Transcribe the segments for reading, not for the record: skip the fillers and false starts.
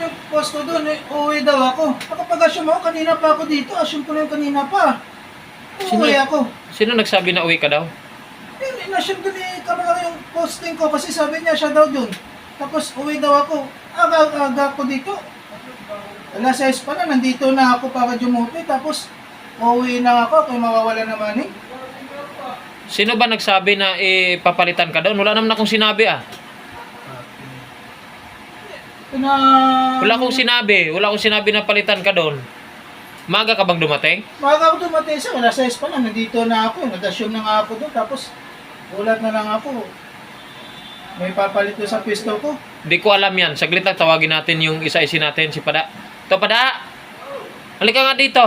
yung post ko doon, uuwi daw ako. Nakapag-assume ako, kanina pa ako dito. Assume ko na yung kanina pa. Uuwi ako. Sino nagsabi na uwi ka daw? In-assume ko ni Kamala yung posting ko kasi sabi niya siya daw doon. Tapos uwi daw ako. Aga ako dito. Alas 6 pa na, nandito na ako para dumuti. Tapos uuwi na ako, kaya mawawala naman eh. Sino ba nagsabi na papalitan ka doon? Wala naman akong sinabi ah. Wala akong sinabi na palitan ka doon. Maga ka bang dumating? Maga ako dumating sa alas 6 pa na, nandito na ako. Nag-assume na nga ako doon. Tapos ulat na lang ako. May papalit doon sa pisto ko. Hindi ko alam yan. Saglit lang tawagin natin yung isa-isin natin, si Pada. Ito, Pada! Halika nga dito.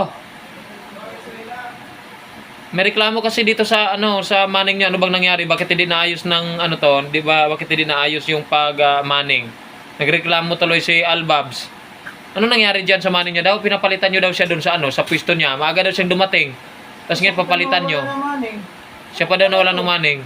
May reklamo kasi dito sa sa manning niyo. Ano bang nangyari? Bakit hindi naayos ng to? 'Di ba? Bakit hindi naayos yung manning? Nagreklamo tuloy si Albabs. Ano nangyari diyan sa manning niya daw? Pinapalitan niyo daw siya doon sa sa pwesto niya. Maaga daw siyang dumating. Tapos ngayon papalitan niyo. Siya pa daw nawala ng manning.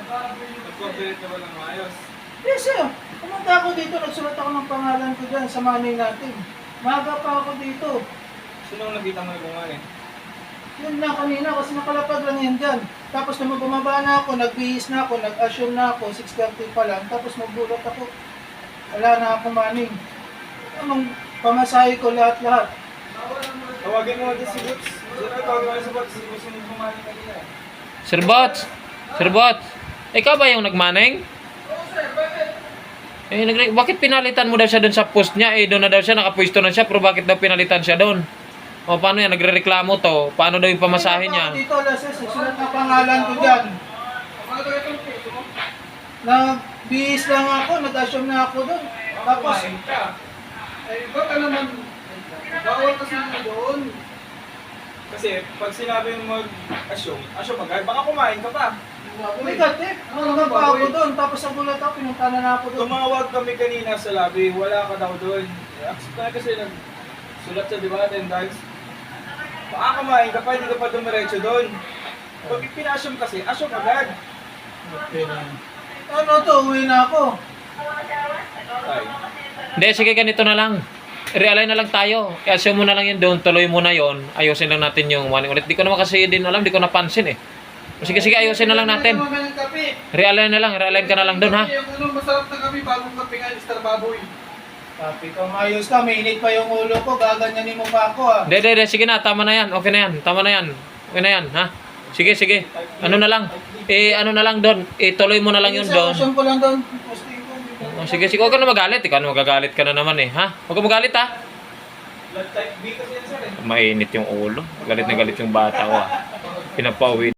Yes, sir. Pumunta ako dito, nagsulat ako ng pangalan ko dyan sa manning natin. Maaga pa ako dito. Sino nakita mo yung manning? Yun na kanina kasi nakalapag lang yan dyan. Tapos nung bumaba na ako, nagbihis na ako, nag-assume na ako, 6:30 pa lang. Tapos magbulat ako, wala na akong manning. Anong pamasahe ko lahat-lahat. Tawagin mo natin si Boots. Tawagin mo si Boots. Gusto mo kumain kanina. Sir Bots, ikaw ba yung nagmanning? Bakit pinalitan mo daw siya doon sa post niya? Doon na daw siya, nakapwesto na siya, pero bakit daw pinalitan siya doon? O paano yan? Nagre-reklamo to. Paano daw yung pamasahe niya? Dito, Lases, sulat na pangalan ko dyan. Nagbihis lang ako, nag-assume na ako doon. Tapos, baka naman, bawal kasi doon. Kasi pag sinabi mo mag-assume agad, baka kumain ka pa. Negative. Ano pa ako doon? Tapos sa gulat ako, pinunta na ako doon. Tumawag kami kanina sa lobby, wala ka daw doon. Kasi nagsulat sa diba, attendance. Baka kumain ka pa, hindi ka pa dumiretso doon. Pag pina-assume kasi, assume agad. Okay na. Ano to? Uwi na ako. Ay. Hindi, sige ganito na lang. Realign na lang tayo. I-assume mo na lang yun doon. Tuloy mo na yun. Ayusin lang natin yung manning ulit. Di ko naman kasi din alam. Di ko napansin eh. Sige, ayusin na lang natin. Realign na lang. Realign ka na lang doon ha. Masarap na kami bagong kape nga, Mr. Baboy. Kape ka, mayos ka. Mainit pa yung ulo ko. Gaganyanin mo pa ako ha. Hindi. Sige na. Tama na yan. Okay na yan. Tama na yan. Okay na yan ha. Sige. Ano na lang. Ano na lang doon. Tuloy mo na lang yun doon. Assume ko lang doon. Sige. Huwag ka na magalit. Ikaw na magagalit ka na naman eh. Ha? Huwag ka magalit ha. Blood type B kasi yan sir eh. Mainit yung ulo. Galit na galit yung bata ko ha. Pinapauwi.